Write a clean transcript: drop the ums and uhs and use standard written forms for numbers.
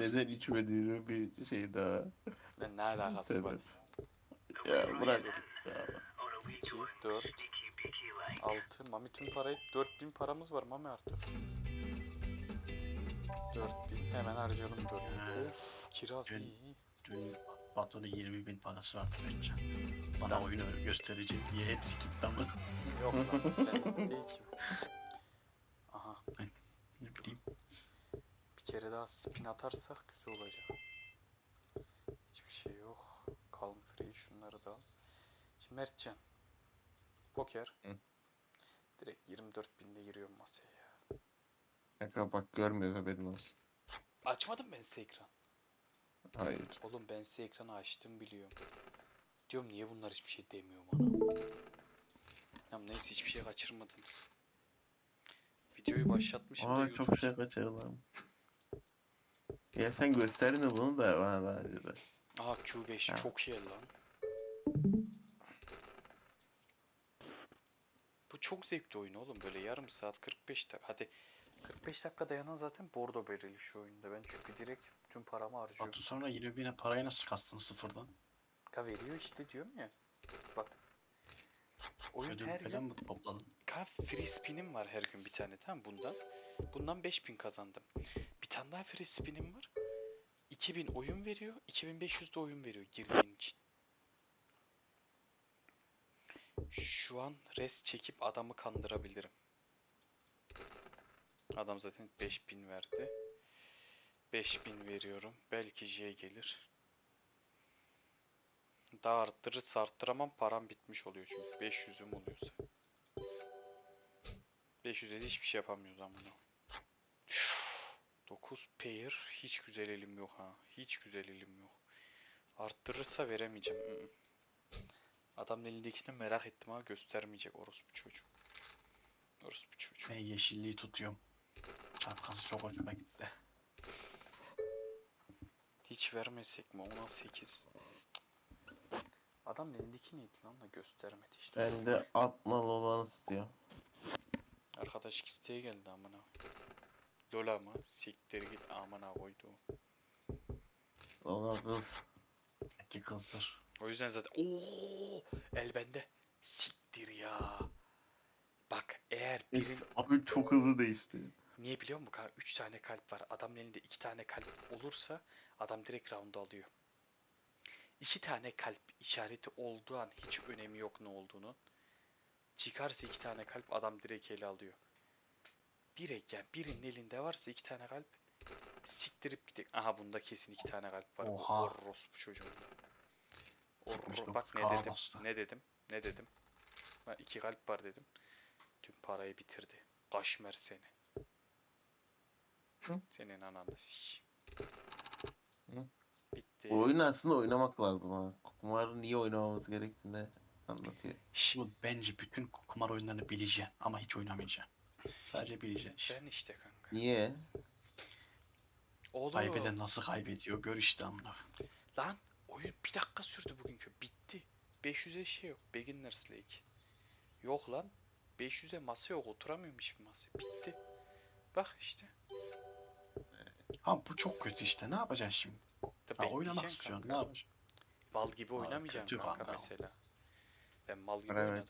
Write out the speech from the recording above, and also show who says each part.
Speaker 1: neden içmediğini bir şey daha.
Speaker 2: Ne alakası var?
Speaker 1: Sebep. Ya bırak. Ya.
Speaker 2: 2, 4, 6. Mami tüm parayı 4000 paramız var Mami artık. 4000 hemen harcayalım 4000. Of kiraz
Speaker 3: Dün,
Speaker 2: iyi.
Speaker 3: dün Batu'nun 20.000 parası vardı bence. Bana
Speaker 2: Tamam.
Speaker 3: oyunu göstereceğim diye hepsi gitti ama.
Speaker 2: Yok lan senin değil ki. Aha
Speaker 3: Ne bileyim.
Speaker 2: bir kere daha spin atarsak güzel olacak. Hiçbir şey yok. Calm free şunları da al. Şimdi Mertcan. Poker.
Speaker 1: Hı.
Speaker 2: Direkt 24.000'de giriyorum masaya ya.
Speaker 1: Kanka bak görmüyor haberin olsun.
Speaker 2: Açmadım ben size ekran.
Speaker 1: Hayır.
Speaker 2: Oğlum ben size ekranı açtım biliyorum. Diyorum niye bunlar hiçbir şey demiyor bana. Ya neyse hiçbir şey kaçırmadınız. Videoyu başlatmışım da
Speaker 1: Aa çok şey
Speaker 2: YouTube.
Speaker 1: kaçırdım. Ya sen gösterdin de bunu da bana daha önce de.
Speaker 2: Aha Q5
Speaker 1: Ha.
Speaker 2: çok iyi lan. Bu çok zevkli oyun oğlum böyle yarım saat 45 dakika. Hadi 45 dakika dayanan zaten bordo bereli şu oyunda. Ben çünkü direkt tüm paramı harcıyorum.
Speaker 3: Batu sonra 20.000'e parayı nasıl kastın sıfırdan?
Speaker 2: Ka veriyor işte diyorum ya. Bak. Oyun
Speaker 3: Ödül
Speaker 2: her
Speaker 3: falan
Speaker 2: gün.
Speaker 3: mı topladın?
Speaker 2: Ka free spin'im var her gün bir tane tamam bundan. Bundan 5000 kazandım. Bir tane daha free spin'im var. 2000 oyun veriyor. 2500 de oyun veriyor girdiğin için. Şu an res çekip adamı kandırabilirim. Adam zaten 5000 verdi. 5000 veriyorum. Belki J gelir. Daha arttırırsa arttıramam param bitmiş oluyor çünkü 500'üm oluyorsa. 500'e de hiçbir şey yapamıyoruz ama. 9 pair hiç güzel elim yok ha. Hiç güzel elim yok. Arttırırsa veremeyeceğim. Adamın elindekini merak ettim ha göstermeyecek orospu çocuğu. Orospu çocuğu.
Speaker 3: Ben yeşilliği tutuyorum. Çapkası çok hoşuma gitti.
Speaker 2: Hiç vermesek mi? 10'a 8. Adamın elindeki neydi lan da göstermedi işte.
Speaker 1: Ben de atmalı olanı istiyorum.
Speaker 2: Arkadaş isteğe geldi amına. Lola mı? Siktir git amına koydu.
Speaker 1: Olan kız.
Speaker 3: İki kızdır.
Speaker 2: O yüzden zaten ooo el bende. Siktir ya. Bak eğer birin
Speaker 1: Abi çok hızlı değişti.
Speaker 2: niye biliyor musun? 3 tane kalp var. Adamın elinde 2 tane kalp olursa adam direkt round'u alıyor. 2 tane kalp işareti olduğu an hiç önemi yok ne olduğunu. Çıkarsa 2 tane kalp adam direkt ele alıyor. Direkt yani birinin elinde varsa 2 tane kalp siktirip gidecek. Aha bunda kesin 2 tane kalp var. Bu
Speaker 3: Oha.
Speaker 2: orospu çocuğunda. Bak
Speaker 3: 79
Speaker 2: ne
Speaker 3: K
Speaker 2: dedim.
Speaker 3: bastı.
Speaker 2: Ne dedim. Ne dedim. Ben 2 kalp var dedim. Tüm parayı bitirdi. Kaşmer seni.
Speaker 1: Hı?
Speaker 2: Senin ananı sik.
Speaker 1: Hı?
Speaker 2: Bitti.
Speaker 1: Bu oyunu aslında oynamak lazım ha. Kumarı niye oynamamız gerektiğini anlatıyor.
Speaker 2: Şşş.
Speaker 3: Bu bence bütün kumar oyunlarını bileceksin ama hiç oynamayacaksın. Sadece bileceksin işte.
Speaker 2: Ben işte kanka.
Speaker 1: Niye?
Speaker 2: Oğlum.
Speaker 3: Kaybeden nasıl kaybediyor gör işte amına.
Speaker 2: Lan oyun bir dakika sürdü bugünkü. Bitti. 500'e şey yok. Beginners League. Yok lan. 500'e masa yok. Oturamıyorum hiçbir masaya. Bitti. Bak işte.
Speaker 3: Ha bu çok kötü işte ne yapacaksın şimdi?
Speaker 2: Da
Speaker 3: Ha oynamak
Speaker 2: bekleyeceksin
Speaker 3: istiyorsun
Speaker 2: kanka.
Speaker 3: ne yapacaksın?
Speaker 2: Mal gibi
Speaker 3: Ha,
Speaker 2: oynamayacaksın
Speaker 3: kötü
Speaker 2: kanka
Speaker 3: kanka.
Speaker 2: mesela. Ben mal gibi
Speaker 1: Evet.
Speaker 2: oynadım.